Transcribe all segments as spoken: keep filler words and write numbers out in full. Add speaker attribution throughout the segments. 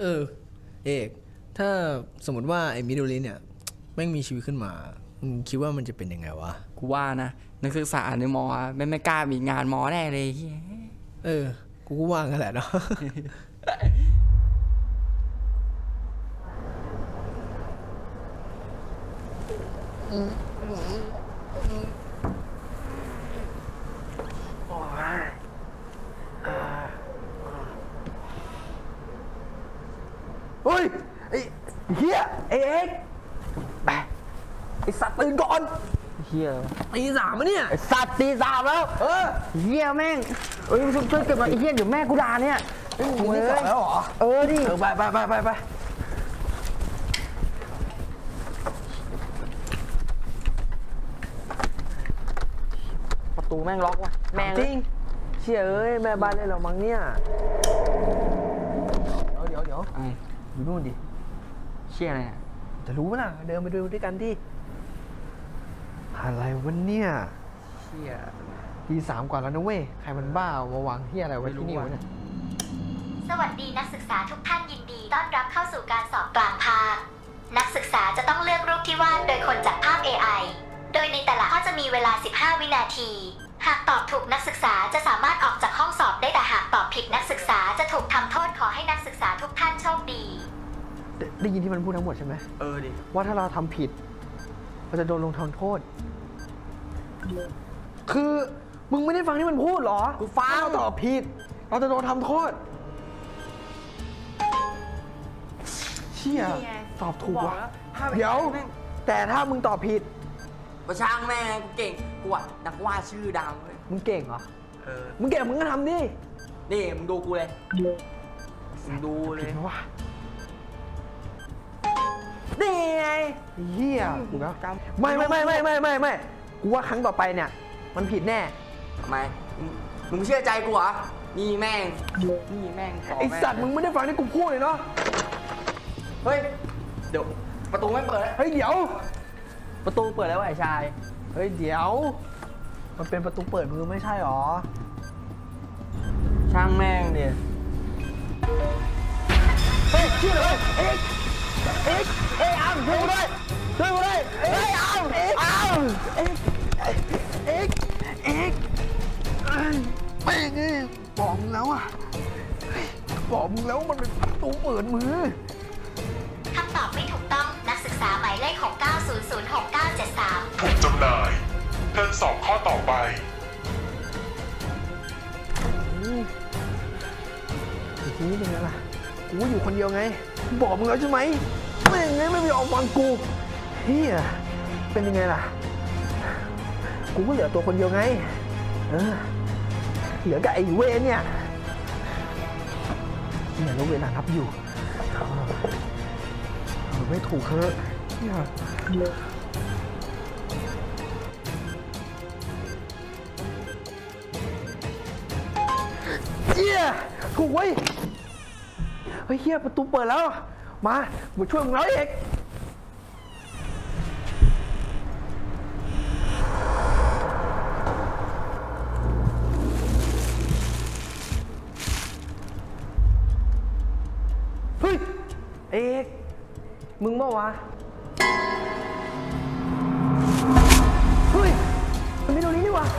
Speaker 1: เออเอกถ้าสมมติว่าไอ้มิโดริเนี่ยแม่งมีชีวิตขึ้นมามึงคิดว่ามันจะเป็นยังไงวะ
Speaker 2: กูว่านะนักศึกษาในมอไม่ไม่กล้ามีงานมอแน่เลย
Speaker 1: เออกูก็ว่างั้นแหละเนาะ
Speaker 3: เฮ้ยไอ้เฮียไอ้เอ็กไปไอ้สัตว์ตื่นก่อนเฮีย
Speaker 1: ตีสามมะเนี่ย
Speaker 3: ไอ้สัตว์ตีสามแล้วเออเฮียแม่งเอ้ยช่วยช่วยเก็บมาไอ้เฮียเดี๋ยวแม่กูด่าเนี่ย
Speaker 1: มึงตีสามแล้วเหรอ
Speaker 3: เออดิ
Speaker 1: เออไปไปไปไปไป
Speaker 3: ประตูแม่งล็อกว่ะแม่งจริงเชี่ยเอ้ยแม่บ้านได้เรามั้งเนี่ยเดี๋ยวเดี๋ยวอยู่นู่นดิเชี่ยอะไรจะรู้ไหมล่ะเดินไปดูด้วยกันดิอะไรวะเนี่ยเชี่ยทีสามกว่าแล้วนะเว้ยใครมันบ้ามาวางเฮียอะไรไว้ที่นี่วะเนี่ย
Speaker 4: สวัสดีนักศึกษาทุกท่านยินดีต้อนรับเข้าสู่การสอบกลางภาคนักศึกษาจะต้องเลือกรูปที่วาดโดยคนจากภาพ เอ ไอ โดยในแต่ละข้อจะมีเวลาสิบห้าวินาทีหากตอบถูกนักศึกษาจะสามารถออกจากห้องสอบได้แต่หากตอบผิดนักศึกษาจะถูกทำโทษขอให้นักศึกษาทุกท่านโชคดี
Speaker 3: ได้ได้ยินที่มันพูดทั้งหมดใช่ไหม
Speaker 2: เออดิ
Speaker 3: ว่าถ้าเราทำผิดเราจะโดนลงโทษคือมึงไม่ได้ฟังที่มันพูดหรอ
Speaker 2: กูฟัง
Speaker 3: เราตอบผิดเราจะโดนทำโทษเชี่ยตอบถูกว่ะเดี๋ยวแต่ถ้ามึงตอบผิด
Speaker 2: ประช่างแม่กูเก่งกูอ่ะนักวาดชื่อดังเลย
Speaker 3: มึงเก่งเหรอ
Speaker 2: เออ
Speaker 3: มึงเก่งมึงก็ทำดิ
Speaker 2: นี่มึงดูกูเลยมึงดูเลย
Speaker 3: ว่านี่ไงเฮียกูนะไม่ไม่ไม่ไม่ไม่ไม่ไม่กูว่าครั้งต่อไปเนี่ยมันผิดแน่
Speaker 2: ทำไมมึงเชื่อใจกูเหรอนี่แม่งนี่แม่ง
Speaker 3: ไอสัตว์มึงไม่ได้ฟังที่กูพูดเลยเนาะ
Speaker 2: เฮ้ยเดี๋ยวประตูไม่เปิด
Speaker 3: เฮ้ยเดี๋ยว
Speaker 2: ประตูเปิดแล้วไอ้ชาย
Speaker 3: เฮ้ยเดี๋ยวมันเป็นประตูเปิดมือไม่ใช่หรอ
Speaker 2: ช่างแม่งเดี๋ย
Speaker 3: เฮ้ยชื่ออะไรเอ็กเอ็กเอ็กอ้ามช่วยกูด้วยช่วยกูด้วยเอ็กอ้ามเอ็กอ้ามเอ็กเอ็กเอ็กแม่งบอกมึงแล้วอ่ะบอกมึงแล้วมันเป็นประตูเปิดมือ
Speaker 4: คำตอบไม่ถูกต้องนักศึกษาหมายเลขหกเก้าศูนย์ศูนย์หกเก้าเจ็ดสาม
Speaker 5: ถูกจำหน่ายเทิร์นสอบข้อต่อไป
Speaker 3: ทีนี้เป็นไงล่ะกูอยู่คนเดียวไงบอกมึงแล้วใช่ไหมไม่ยังไงไม่ยอมฟังกูเฮียเป็นยังไงล่ะกูก็เหลือตัวคนเดียวไงเออเหลือกับไอ้เวรเนี่ยเนี่ยแล้วเวลานับอยู่ไม่ถูกเฮ้ยเจี๊ยถูกไว้เฮ้ยเฮียประตูเปิดแล้วมามาช่วยมึงแล้วเอกเฮ้ยเอกมึงเมื่อวะเฮ้ยมันไม่ตรงนี้นี่วะ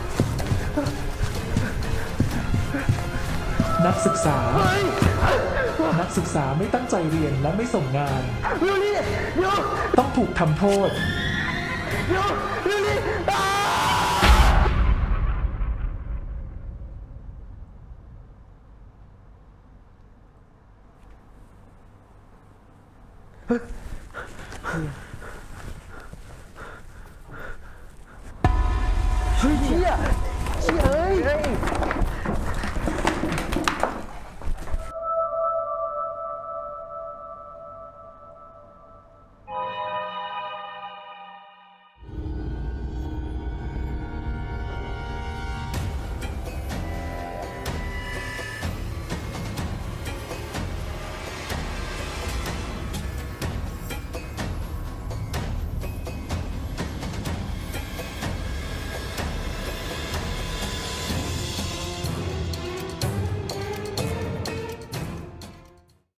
Speaker 6: นักศึกษานักศึกษาไม่ตั้งใจเรียนและไม่ส่งงาน
Speaker 3: เดี๋ยวนี้เดี๋ยว
Speaker 6: ต้องถูกทำโทษ
Speaker 3: เดี๋ยวเดี๋ยวนี้เฮ้ยเชี่ยเชี่ยเอ้ย